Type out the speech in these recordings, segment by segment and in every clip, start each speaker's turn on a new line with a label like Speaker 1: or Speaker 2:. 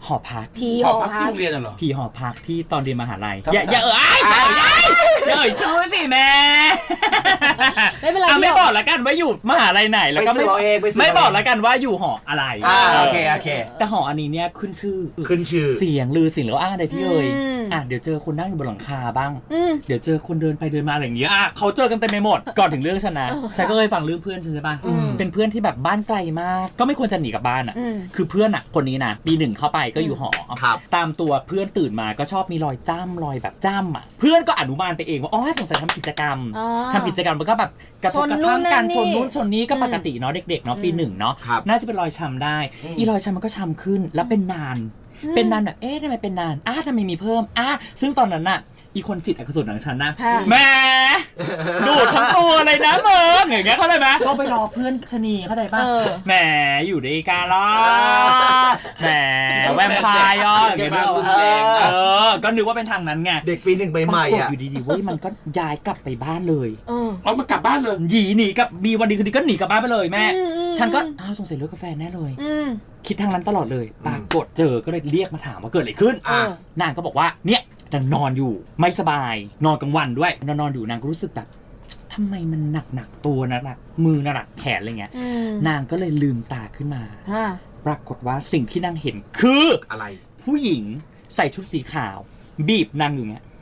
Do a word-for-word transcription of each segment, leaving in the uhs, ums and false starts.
Speaker 1: หอพัก
Speaker 2: ผีหอพักที่โรงเรียนเหรอ
Speaker 1: ผีหอพักที่ตอนเรียนมหาลัยอย่าอย่าเอ่ยอย่าเอ่ยชื่อสิแม่
Speaker 2: ไม่เป็นไร
Speaker 1: ไม่บอกแล้วกันว่าอยู่มหาลัยไหนแล้วก็ไม่ไม่บอกแล้วกันว่าอยู่หออะไร
Speaker 3: โอเคโอเค
Speaker 1: แต่หออันนี้เนี่ยขึ้นชื่อ
Speaker 3: ขึ้นชื่อ
Speaker 1: เสียงลือเสียงแล้วอ้างอะไรที่เอ่ยอ่ะเดี๋ยวเจอคนนั่งอยู่บนหลังคาบ้างเดี๋ยวเจอคนเดินไปเดินมาอะไรอย่างเงี้ยอ่ะเขาเจอกันเต็มไปหมดก่อนถึงเรื่องฉันนะฉันก็เคยฟังเรื่องเพื่อนฉันใช่ป่ะเป็นเพื่อนที่แบบบ้านไกลมากก็ไม่ควรจะหนีกลับบ้านอ่ะคือเพื่อนอ่ะคนนี้นะปีหนึ่งเข้าไปก็อยู่หอตามตัวเพื่อนตื่นมาก็ชอบมีรอยจ้ำรอยแบบจ้ำอ่ะเพื่อนก็อนุมานไปเองว่าอ๋อสงสัยทำกิจกรรมทำกิจกรรมมันก็แบบกระทบกระทั่งกันชนนู้นชนนี้ก็ปกติเนาะเด็กๆเนาะปีหนึ่งเนาะน่าจะเป็นรอยช้ำได้อีรอยช้ำมันก็ช้ำขึ้นแล้วเป็นนานเป็นนานแบบเอ๊ะทำไมเป็นนานอ้าทำไมมีเพิ่มอ้าซึ่งตอนนั้นน่ะอีคนจิตอกุศลของฉันนะแหมดูดทั้งตัวเลยนะมึงอย่างเงี้ยเข้าใจไหมก็ไปรอเพื่อนชนีเข้าใจป่ะแหมอยู่ในการล้อแหมแวมไพร์ย่ออย่างเงี้ยเออก็นึกว่าเป็นทางนั้นไง
Speaker 3: เด็กปีหนึ่งใหม่ๆอ่ะ
Speaker 1: อยู่ดีๆเว้ยมันก็ย้ายกลับไปบ้านเลย
Speaker 2: เออเอามากลับบ้านเลย
Speaker 1: หนีหนีกับมีวันดีคืนดีก็หนีกลับบ้านไปเลยแม่ฉันก็อ้าวสงสัยเลิกกาแฟแน่เลยคิดทางนั้นตลอดเลยปรากฏเจอก็เลยเรียกมาถามว่าเกิดอะไรขึ้นนางก็บอกว่าเนี่ยนางนอนอยู่ไม่สบายนอนกลางวันด้วยนอนนอนอยู่นางก็รู้สึกแบบทำไมมันหนักหนักตัวหนักหนักมือหนักแขนอะไรเงี้ยนางก็เลยลืมตาขึ้นมาปรากฏว่าสิ่งที่นางเห็นคือ
Speaker 3: อะไร
Speaker 1: ผู้หญิงใส่ชุดสีขาวบีบนางอยู่เงี้ย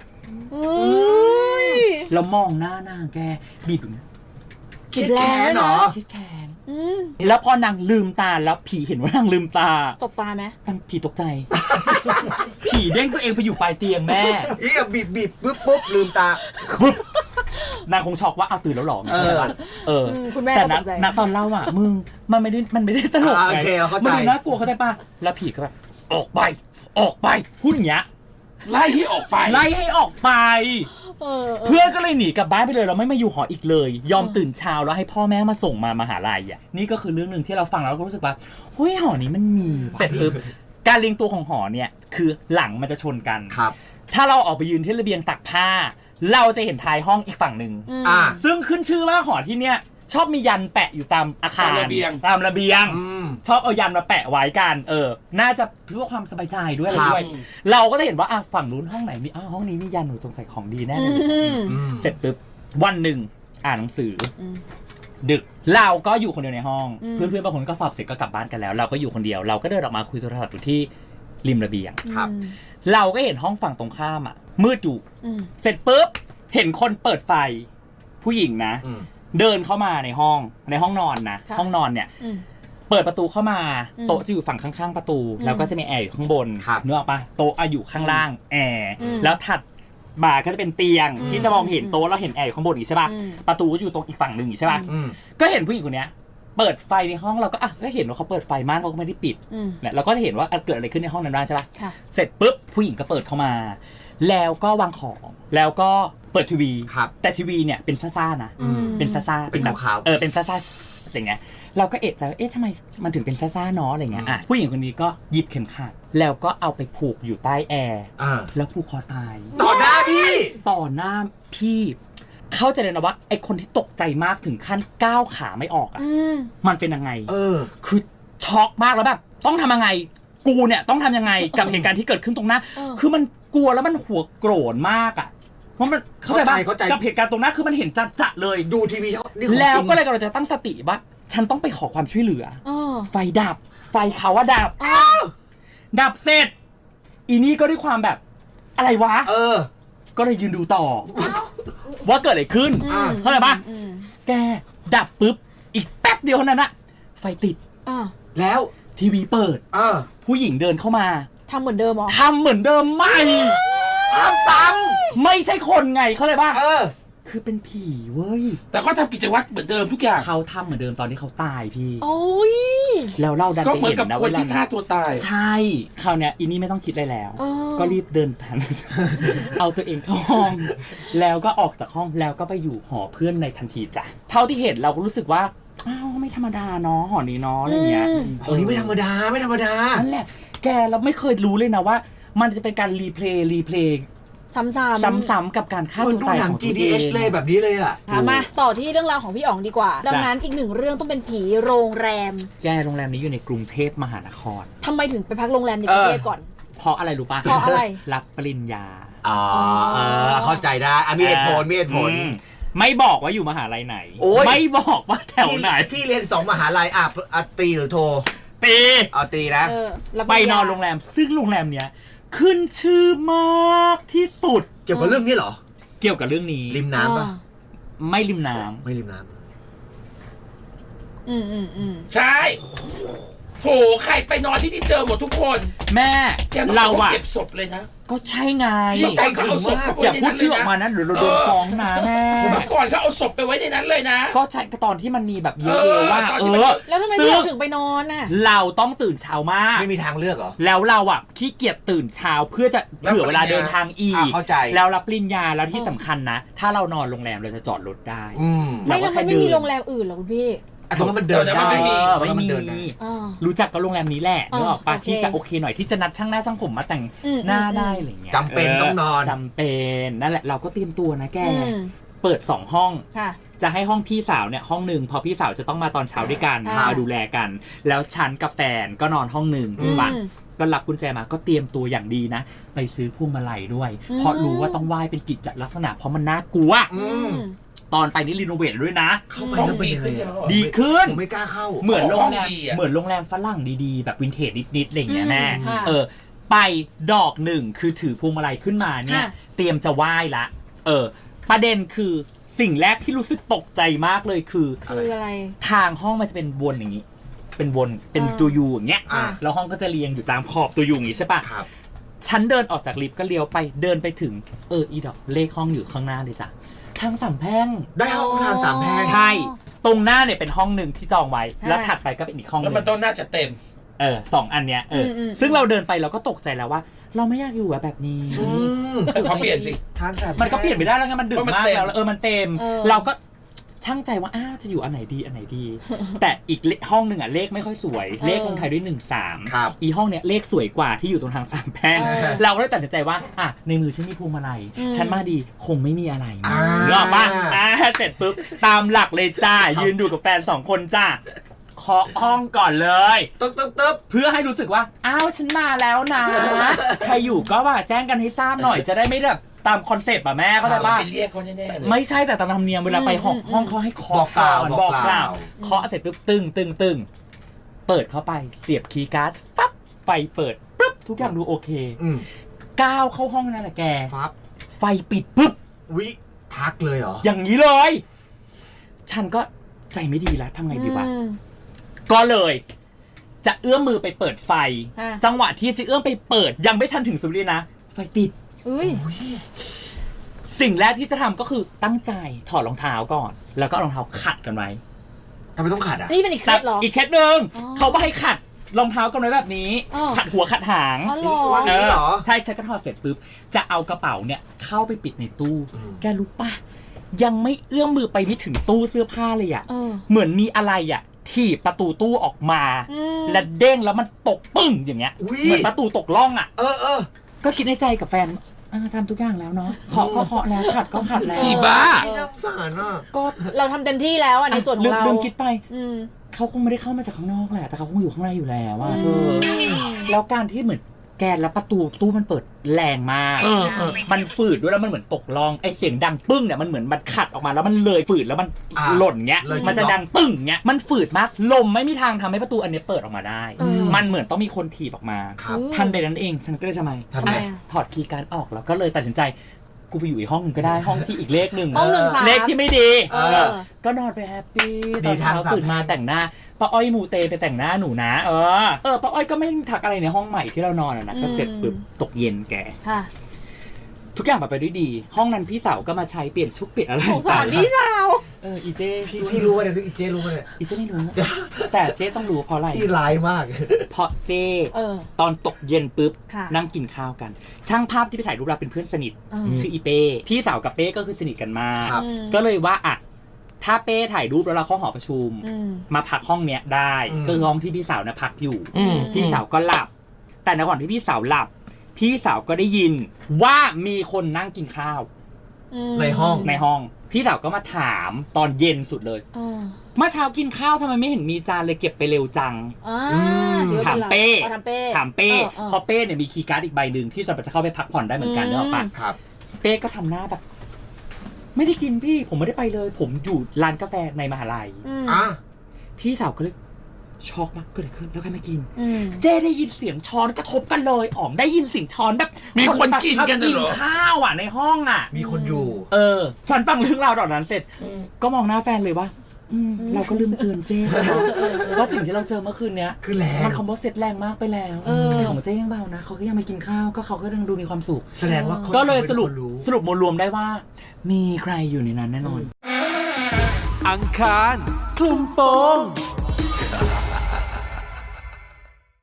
Speaker 1: แล้วมองหน้านางแกบีบอยู่
Speaker 3: คิดแค้นเหรอ
Speaker 1: คิดแค้นแล้วพอนางลืมตาแล้วผีเห็นว่านางลืมตา
Speaker 2: ตบตาไหม
Speaker 1: นางผีตกใจผีเด้งตัวเองไปอยู่ปลายเตียงแม่
Speaker 3: อีกบีบบีบปุ๊บปุ๊บลืมตา
Speaker 1: ปุ๊บนางคงช็อกว่าเอาตื่นแล้วหรอใช่ป่ะเออแต่ณตอนเล่าอ่ะมึงมันไม่ได้มันไม่ได้ตลกไงมันดูน่ากลัวเขาได้ป่ะแล้วผีก็แบบออกไปออกไปพูดอย่างเงี้ย
Speaker 2: ไล่ให้ออกไป
Speaker 1: ไล่ให้ออกไปเพื่อนก็เลยหนีกลับบ้านไปเลยเราไม่มาอยู่หออีกเลยยอมตื่นเช้าแล้วให้พ่อแม่มาส่งมามหาลัยอ่ะนี่ก็คือเรื่องหนึ่งที่เราฟังแล้วก็รู้สึกว่าเฮ้ยหอนี้มันมีเสร็จปุ๊บการเรียงตัวของหอเนี่ยคือหลังมันจะชนกัน
Speaker 3: ครับ
Speaker 1: ถ้าเราออกไปยืนที่ระเบียงตักผ้าเราจะเห็นท้ายห้องอีกฝั่งหนึ่งซึ่งขึ้นชื่อว่าหอที่เนี่ยชอบมียันแปะอยู่ตามอาคารตามระเบียงตามระเบียงชอบเอายันมาแปะไว้กันเออน่าจะเพื่อความสบายใจด้วยอะไรด้วยเราก็จะเห็นว่าอ่ะฝั่งนู้นห้องไหนมีอ้าวห้องนี้มียันหนูสงสัยของดีแน่เลยเสร็จปุ๊บวันหนึ่งอ่านหนังสือดึกเราก็อยู่คนเดียวในห้องเพื่อนๆบางคนก็สอบเสร็จก็กลับบ้านกันแล้วเราก็อยู่คนเดียวเราก็เดินออกมาคุยโทรศัพท์อยู่ที่ริมระเบียง
Speaker 3: ครับ
Speaker 1: เราก็เห็นห้องฝั่งตรงข้ามอ่ะมืดอยู่เสร็จปุ๊บเห็นคนเปิดไฟผู้หญิงนะเดินเข้ามาในห้องในห้องนอนนะห้องนอนเนี่ยเปิดประตูเข้ามาโต๊ะจะอยู่ฝั่งข้างๆประตูแล้วก็จะมีแอร์อยู่ข้างบนนึกออกปะโต๊ะอยู่ข้างล่างแอร์แล้วถัดมาก็จะเป็นเตียงที่จะมองเห็นโต๊ะเราเห็นแอร์อยู่ข้างบนอีกใช่ปะประตูก็อยู่ตรงอีกฝั่งหนึ่งใช่ปะก็เห็นผู้หญิงคนนี้เปิดไฟในห้องเราก็อ่ะก็เห็นว่าเขาเปิดไฟม่านเขาก็ไม่ได้ปิดเนี่ยเราก็จะเห็นว่าเกิดอะไรขึ้นในห้องนั้นบ้างใช่ปะเสร็จปุ๊บผู้หญิงก็เปิดเข้ามาแล้วก็วางของแล้วก็เปิดทีวีแต่ทีวีเนี่ยเป็นซ่าๆนะเป็นซ่าๆ
Speaker 3: เป็นแบบ
Speaker 1: เออเป็นซ่าๆอะไรเงี้ยเราก็เอะใจว่าเอ๊ะทำไมมันถึงเป็นซ่าๆเนาะอะไรเงี้ยอ่ะผู้หญิงคนนี้ก็หยิบเข็มขัดแล้วก็เอาไปผูกอยู่ใต้แอร์แล้วผูกคอตาย
Speaker 3: ต่อหน้าพี่
Speaker 1: ต่อหน้าพี่เข้าใจเลยนะว่าไอคนที่ตกใจมากถึงขั้นก้าวขาไม่ออกอ่ะมันเป็นยังไง
Speaker 3: เออ
Speaker 1: คือช็อกมากแล้วแบบต้องทำยังไงกูเนี่ยต้องทำยังไงกับเหตุการณ์ที่เกิดขึ้นตรงหน้าคือมันกลัวแล้วมันหัวโกรธมากอ่ะเพราะมันเข้าใจป่ะกับเหตุการณ์ตรงหน้าคือมันเห็นจัดๆเลย
Speaker 3: ดูทีวี
Speaker 1: แล้วก็เลยกำลังจะตั้งสติว่าฉันต้องไปขอความช่วยเหลือไฟดับไฟเขาว่าดับดับเสร็จอีนี่ก็ด้วยความแบบอะไรวะ
Speaker 3: เออ
Speaker 1: ก็เลยยืนดูต่อว่าเกิดอะไรขึ้นเข้าใจป่ะแกดับปุ๊บอีกแป๊บเดียวเท่านั้นอะไฟติด
Speaker 3: แล้ว
Speaker 1: ทีวีเปิดผู้หญิงเดินเข้ามา
Speaker 2: ทำเหมือนเดิมหรอ
Speaker 1: ทำเหมือนเดิมไม่
Speaker 3: ทำซ้
Speaker 1: ำไม่ใช่คนไงเข้าใจป่ะ
Speaker 3: เออ
Speaker 1: คือเป็นผีเว้ย
Speaker 2: แต่เขาทำกิจวัตรเหมือนเดิมทุกอย่าง
Speaker 1: เขาทำเหมือนเดิมตอนที่เขาตายพี่
Speaker 2: โอ้ย
Speaker 1: แล้วเราดันไปเห็นนะ
Speaker 2: ก็เหมือนกับคนที่ฆ่าตัวตาย
Speaker 1: ใช่คราวเนี้ยอีนี่ไม่ต้องคิดอะไรแล้วก็รีบเดินทันเอาตัวเองเข้าห้องแล้วก็ออกจากห้องแล้วก็ไปอยู่หอเพื่อนในทันทีจ้ะเท่าที่เห็นเราก็รู้สึกว่าอ้าวไม่ธรรมดาเนาะหอนี้เนาะอะไรเงี้ย
Speaker 3: หอนี้ไม่ธรรมดาไม่ธรรมดา
Speaker 1: นั่นแหละแกเราไม่เคยรู้เลยนะว่ามันจะเป็นการรีเพลย์รีเพลย์
Speaker 4: ซ้ำๆ
Speaker 1: ซ้ำๆกับการฆ่า
Speaker 3: เหมือ
Speaker 1: ตั
Speaker 3: น
Speaker 1: ว
Speaker 3: ดู
Speaker 1: ตาย
Speaker 3: หนั
Speaker 1: ข
Speaker 3: ง
Speaker 1: อง
Speaker 3: จี
Speaker 1: ตัว
Speaker 3: ดี
Speaker 1: เอ
Speaker 3: เอช
Speaker 1: ง
Speaker 3: เลยแบบนี้เลยอ่ะ
Speaker 4: ถามมาต่อที่เรื่องราวของพี่อ๋องดีกว่า ดังนั้นอีกหนึ่งเรื่องต้องเป็นผีโรงแรม
Speaker 1: แกโรงแรมนี้อยู่ในกรุงเทพมหานคร
Speaker 4: ทำไมถึงไปพักโรงแรมในกรุงเทพก่อน
Speaker 1: เพราะอะไรรู้ป่ะ
Speaker 4: เพราะอะไร
Speaker 1: รับปริญญา
Speaker 3: อ๋อเออเข้าใจได้อ่ะมีเหตุผลมีเหตุผล
Speaker 1: อืมไม่บอกว่าอยู่มหาลัยไหน
Speaker 3: โอ้ย
Speaker 1: ไม่บอกว่าแถวไหน
Speaker 3: พี่พี่เรียนสองมหาลัยอ่ะอ่ะตรีหรือโท
Speaker 1: ปี
Speaker 3: เอาตรีนะ
Speaker 4: เออรับ
Speaker 1: ไปนอนโรงแรม ซึ่งโรงแรมเนี้ยขึ้นชื่อมากที่สุด
Speaker 3: เกี่ยวกับเรื่องนี้เหรอ
Speaker 1: เกี่ยวกับเรื่องนี้
Speaker 3: ริมน้ำป่ะ
Speaker 1: ไม่ริมน้ำ
Speaker 3: ไม่ริมน้
Speaker 4: อืมอืมอืม
Speaker 2: ใช่โหใครไปนอนที่นี่เจอหมดทุกคน
Speaker 1: แม่
Speaker 2: แกมา
Speaker 1: เรา
Speaker 2: บอกว่า
Speaker 1: อะ
Speaker 2: เก็บศพเลยนะ
Speaker 1: ก็ใช่ไง
Speaker 3: พี่ใจถึงมาก
Speaker 1: อย่าพูดชื่อออกมานะเดี๋ยวเราโดนฟ้องนะแม่
Speaker 2: เมื่อก่อนเขาเอาศพไปไว้ในนั้นเลยนะ
Speaker 1: ก็ใช่ตอนที่มันมีแบบเย
Speaker 2: เอ
Speaker 1: อะ
Speaker 2: อ
Speaker 1: ๆว่า
Speaker 2: ตอน
Speaker 1: เอ
Speaker 2: ที่มัน
Speaker 1: อ
Speaker 4: แล้วทำไม
Speaker 1: ซึ่
Speaker 4: พี่
Speaker 1: ง
Speaker 4: อ๋องถึงไปนอนน่ะ
Speaker 1: เราต้องตื่นเช้ามาก
Speaker 3: ำไม่มีทางเลือกเหรอ
Speaker 1: แล้วเราอ่ะขี้เกียจตื่นเช้าเพื่อจะ
Speaker 2: รับ
Speaker 1: เผื่อเวลา
Speaker 2: ปริญญา
Speaker 1: เดินทางอี
Speaker 3: อ่ะ
Speaker 1: ก
Speaker 3: เข้าใจ
Speaker 1: แล้วรับปริญญาแล้วที่สำคัญนะ ถ้าเรานอนโรงแรมเราจะจอดรถได้
Speaker 3: อืม
Speaker 4: ไม่
Speaker 1: เราก็
Speaker 4: แล้ว
Speaker 1: แค่
Speaker 4: มันไม่มี
Speaker 1: เดิน
Speaker 4: โรงแรมอื่นเหรอคุณพี่
Speaker 3: อ่ะตรงนั้นมันเดิน
Speaker 2: เออแต่
Speaker 3: ได้
Speaker 2: มันไม่มี
Speaker 1: เออ
Speaker 3: ตรง
Speaker 1: ไม่
Speaker 3: นั้นมัน
Speaker 1: มี
Speaker 3: เดินได้
Speaker 4: อ่า
Speaker 1: รู้จักก็โรงแรมนี้แหละ
Speaker 4: อ่า
Speaker 1: นึกออกปะ
Speaker 4: โอเค
Speaker 1: ที่จะโอเคหน่อยที่จะนัดช่างหน้าช่างผมมาแต่ง
Speaker 4: อืม
Speaker 1: หน้า
Speaker 4: อืม
Speaker 1: ได้อะไรเงี้ย
Speaker 3: จำเป็นต้องนอน
Speaker 1: จำเป็นนั่นแหละเราก็เตรียมตัวนะแก
Speaker 4: อืม
Speaker 1: เปิดสองห้อง
Speaker 4: ค่ะ
Speaker 1: จะให้ห้องพี่สาวเนี่ยห้องหนึ่งพอพี่สาวจะต้องมาตอนเช้าด้วยกัน
Speaker 4: อ่าม
Speaker 1: มาดูแลกัน แล้วฉันกับแฟนก็นอนห้องหนึ่ง
Speaker 3: อืม
Speaker 1: ว่ะก็รับกุญแจมาก็เตรียมตัวอย่างดีนะ ไปซื้อพวงมาลัยด้วย
Speaker 4: อืม
Speaker 1: เพราะรู้ว่าต้องไหว้เป็นกิจลักษณะเพราะมันน่ากลัว
Speaker 3: อืม
Speaker 1: ตอนไปนี่รีโนเวทด้วยนะ
Speaker 3: เข้าไป
Speaker 2: ห้อง
Speaker 3: แล้วเป็น
Speaker 2: ดี
Speaker 3: ยังไง
Speaker 2: ขึ้นใช่ไหม
Speaker 3: อ่ะ
Speaker 1: ดีขึ้น
Speaker 3: ผมไม่กล้าเข้า
Speaker 1: เหมือนโรงแรม
Speaker 2: ห้องดีอะ
Speaker 1: เหมือนโรงแรมฝรั่งดีๆ แบบวินเทจนิดๆอะไรอย่างเงี้ยแม่
Speaker 4: อืมค่ะ
Speaker 1: เออ ไปดอกหนึ่งคือถือพวงมาลัยขึ้นมาเนี่ย
Speaker 4: ค่ะ
Speaker 1: เตรียมจะไหว้ละ เออ ประเด็นคือสิ่งแรกที่รู้สึกตกใจมากเลยคือ
Speaker 4: คืออะไร
Speaker 1: ทางห้องมันจะเป็นวนอย่างนี้ เป็นวนเป็น
Speaker 4: อ่า
Speaker 1: ตัวยูอย่างเงี้ย
Speaker 3: อ่า
Speaker 1: แล้วห้องก็จะเรียงอยู่ตามขอบตัวยูอย่างงี้ใช่ปะ
Speaker 3: ครับ
Speaker 1: ฉันเดินออกจากลิฟต์ก็เลี้ยวไปเดินไปถึงเอออีดอกเลขห้องอยู่ข้างหน้าเลยจ้ะทางสามแพร่ง
Speaker 3: ได้ห้องทางสามแพร่ง
Speaker 1: ใช่ ตรงหน้าเนี่ยเป็นห้องหนึ่งที่จองไว้
Speaker 4: อ่า
Speaker 1: แล้วถัดไปก็เป็นอีกห้องห
Speaker 2: แล้ว
Speaker 1: นึ
Speaker 2: มัน
Speaker 1: ง
Speaker 2: ต้องน่าจะเต็ม
Speaker 1: เออสองอันเนี้ยเอออ
Speaker 4: มอืม
Speaker 1: ซึ่งเราเดินไปเราก็ตกใจแล้วว่า เราไม่อยากอยู่อะแบบนี้
Speaker 3: อืม
Speaker 2: เขาเปลี่ยนสิ
Speaker 3: ทางสามแพร่ง
Speaker 1: มันก็เปลี่ยนไม่ได้แล้วไงมันดึก
Speaker 2: เพราะมัน
Speaker 1: มาก
Speaker 2: เต็ม
Speaker 1: แล้วแล้วเออมันเต็ม
Speaker 4: เออ
Speaker 1: เราก็ช่างใจว่าอ้าวจะอยู่อันไหนดีอันไหนดี แต่อีกเลห้องหนึ่งอ่ะเลขไม่ค่อยสวย เลขลงท้ายด้วยหนึ่งสาม
Speaker 3: ครับ
Speaker 1: อีห้องเนี้ยเลขสวยกว่าที่อยู่ตรงทางสามแพร่ง
Speaker 4: เออ
Speaker 1: เราก็เลยตัดสินใจว่าอ่ะในมือฉันมีพวงมาลัย
Speaker 4: อืม
Speaker 1: ฉันมาดีคงไม่มีอะไร
Speaker 3: อ่า
Speaker 1: เนกออกปะอ่าเสร็จปุ๊บตามหลักเลยจ้า ยืนดูกับแฟนสองคนจ้าเคาะห้องก่อนเลย
Speaker 3: ตึ๊บตึ๊บตึ๊บ
Speaker 1: เพื่อให้รู้สึกว่า อ้าวฉันมาแล้วนะ ใครอยู่ก็ว่าแจ้งกันให้ทราบหน่อยจะได้ไม่แบบตามคอนเซปต์ป่ะแม่เข้าใจป่ะ
Speaker 2: ไปเรียกเขาแน่ๆเลย
Speaker 1: ไม่ใช่แต่ตามธรรมเนียมเวลาไปห้อง
Speaker 4: อืม
Speaker 1: ห้องเขาให้
Speaker 3: บ
Speaker 1: เคาะ
Speaker 3: อกกล่าว
Speaker 1: ก่อน
Speaker 3: บบ อ
Speaker 1: อก ก
Speaker 3: ก
Speaker 1: ก
Speaker 3: ล่า
Speaker 1: ล่าว วเคาะเสร็จปุ๊บตึงตึงตึงเปิดเข้าไปเสียบคีย์การ์ดฟับไฟเปิดปุ๊บทุกอย่างดูโอเค
Speaker 3: อืม
Speaker 1: ก้าวเข้าห้องนั่นแหละแก
Speaker 3: ฟับ
Speaker 1: ไฟปิดปุ๊บ
Speaker 3: วิทักเลยเหรอ
Speaker 1: อย่างนี้เลย ฉันก็ใจไม่ดีแล้วทำไงดีวะ
Speaker 4: อืม
Speaker 1: ก็เลย จะเอื้อมมือไปเปิดไฟ
Speaker 4: ค่ะ
Speaker 1: จังหวะที่จะเอื้อมไปเปิดยังไม่ทันถึงสุดเลยนะ ไฟปิด
Speaker 4: อุ้ย
Speaker 1: สิ่งแรกที่จะทำก็คือตั้งใจถอดรองเท้าก่อน แล้วก็เอารองเท้าขัดกันไว้
Speaker 3: ทำไมต้องขัดอ่ะ
Speaker 4: นี่เป็นอีกเคล็ดเหรอ
Speaker 1: อีกเคล็ดหนึ่ง
Speaker 4: อ๋อ
Speaker 1: เขาบอกให้ขัดรองเท้ากันไว้แบบนี้
Speaker 4: อ๋อ
Speaker 1: ขัดหัวขัดหาง
Speaker 4: อ๋อเหรอ
Speaker 3: วางอย่างนี้เหรอ
Speaker 1: ใช่ฉันก็ถอดเสร็จปุ๊บจะเอากระเป๋าเนี่ยเข้าไปปิดในตู้
Speaker 3: อืม
Speaker 1: แกรู้ปะยังไม่เอื้อมมือไปไม่ถึงตู้เสื้อผ้าเลยอะ
Speaker 4: เออ
Speaker 1: เหมือนมีอะไรอะถีบประตูตู้ออกมา
Speaker 4: อืม
Speaker 1: และเด้งแล้วมันตกปึ้งอย่างเงี้ย
Speaker 3: อุ๊ย
Speaker 1: เหมือนประตูตกล่องอะ
Speaker 3: เออเออ
Speaker 1: ก็คิดในใจกับแฟนอ่าทำทุกอย่างแล้วเนาะเคาะก็เคาะแล้วขัดก็ขัดแล้ว
Speaker 2: อีบ้า
Speaker 3: พี่น่าสงสารอ่ะ
Speaker 1: ก็
Speaker 4: เราทำเต็มที่แล้วอ่ะในส่วนข
Speaker 1: ลื
Speaker 4: อง
Speaker 1: ม
Speaker 4: เรา
Speaker 1: ลืมคิดไป
Speaker 4: อืม
Speaker 1: เขาคงไม่ได้เข้ามาจากข้างนอกแหละแต่เขาคงอยู่ข้างในอยู่แล้วว่า
Speaker 4: อืม
Speaker 1: แล้วการที่เหมือนแกนแล้วประตูตู้มันเปิดแรงมาก
Speaker 2: เออเออ
Speaker 1: มันฝืดด้วยแล้วมันเหมือนตกล่องไอเสียงดังปึ้งเนี่ยมันเหมือนมันขัดออกมาแล้วมันเลยฝืดแล้วมัน
Speaker 3: อ่า
Speaker 1: หล่นเงี้ย
Speaker 3: เลยจุด
Speaker 1: มันจะ
Speaker 3: ล็อก
Speaker 1: ดังปึ้งเงี้ยมันฝืดมากลมไม่มีทางทำให้ประตูอันนี้เปิดออกมาได้
Speaker 4: เออ
Speaker 1: มันเหมือนต้องมีคนถีบออกมา
Speaker 3: ครับ
Speaker 4: อืม
Speaker 1: ทันใดนั้นเองฉันก็เลยทำไม
Speaker 3: ทำไง
Speaker 1: อ่ะถอดคีย์การ์ดออกแล้วก็เลยตัดสินใจกูไปอยู่อีกห้องหนึงก็ได้ห้องที่อีกเลขหนึ่ง
Speaker 4: ห้องหนึ่งสาม
Speaker 1: เลขที่ไม่ดี
Speaker 4: เออ
Speaker 1: ก็นอนไปแฮปปี้ต
Speaker 3: ดี
Speaker 1: อนเช้า
Speaker 3: ทางสาม
Speaker 1: ตื่นมาแต่งหน้าป้าอ้อยมูเตไปแต่งหน้าหนูนะ เออเออป้าอ้อยก็ไม่ทักอะไรในห้องใหม่ที่เรานอนอะนะก็เสร็จปุ๊บตกเย็นแก
Speaker 4: ค่ะ
Speaker 1: ทุกอย่างไปด้วยดี ห้องนั้นพี่สาวก็มาใช้เปลี่ยนชุดเปลี่ยนอะไร
Speaker 4: สงสารพี่สาว
Speaker 1: เอออีเจ
Speaker 3: พี่พี่รู้ว่าเนี่ยซึ่งอีเจรู้ว่าเนี่ย
Speaker 1: อีเจไม่รู้ แต่เจต้องรู้เพราะอะไร
Speaker 3: พี่ร้ายมาก
Speaker 1: เพราะเจ
Speaker 4: เออ
Speaker 1: ตอนตกเย็นปุ๊บ
Speaker 4: ค่ะ
Speaker 1: นั่งกินข้าวกัน ช่างภาพที่ไปถ่ายรูปเราเป็นเพื่อนสนิท
Speaker 4: อืม
Speaker 1: ชื่ออีเป้พี่สาวกับเป้ก็คือสนิทกันมาก
Speaker 3: ครับ
Speaker 4: อืม
Speaker 1: ก็เลยว่าอ่ะถ้าเป้ถ่ายรูปแล้วเราเข้าหอประชุม
Speaker 4: อืม
Speaker 1: มาพักห้องเนี้ยได้
Speaker 3: อืม
Speaker 1: ก็คือห้องที่พี่สาวนะพักอยู่
Speaker 2: อืม
Speaker 1: พี่สาวก็หลับ แต่ในก่อนที่พี่สาวหลับพี่สาวก็ได้ยินว่ามีคนนั่งกินข้าว
Speaker 3: ในห้อง
Speaker 1: ในห้องพี่สาวก็มาถามตอนเย็นสุดเลยเมื่อเช้ากินข้าวทำไมไม่เห็นมีจานเลยเก็บไปเร็วจังถามเป้ถามเป้ถามเป้เพราะเป้เนี่ยมีคีย์การ์ดอีกใบหนึ่งที่สามารถจะเข้าไปพักผ่อนได้เหมือนกันเนอะปะ
Speaker 3: ครับ
Speaker 1: เป้ก็ทำหน้าแบบไม่ได้กินพี่ผมไม่ได้ไปเลย ผมอยู่ร้านกาแฟในมหาลัย
Speaker 3: อ่ะ
Speaker 1: พี่สาวก็เลยช็อกมากเกิดอะไรขึ้นแล้วใครมากินเจ้ได้ยินเสียงช้อนกระทบกันเลยอ๋อมได้ยินเสียงช้อนแบบ
Speaker 2: มีคนกินกันเหรอ
Speaker 1: ข้าวอ่ะในห้องอ่ะ
Speaker 3: มีคนอยู่
Speaker 1: เออฉันฟังเรื่องราวตอนนั้นเสร็จก็มองหน้าแฟนเลยว่าเราก็ลืมเตือนเจ้ว่าสิ่งที่เราเจอเมื่อคืนเนี้ย
Speaker 3: คือแรง
Speaker 1: มันคอมโบเซ็ตแรงมากไปแล้วของเจ้ยังเบานะเขาก็ยังไม่กินข้าวก็เขาก็ยังดูมีความสุข
Speaker 3: แสดงว่า
Speaker 1: ก็เลยสรุปสรุปมวลรวมได้ว่ามีใครอยู่ในนั้นแน่นอน
Speaker 5: อังคารคลุมโปง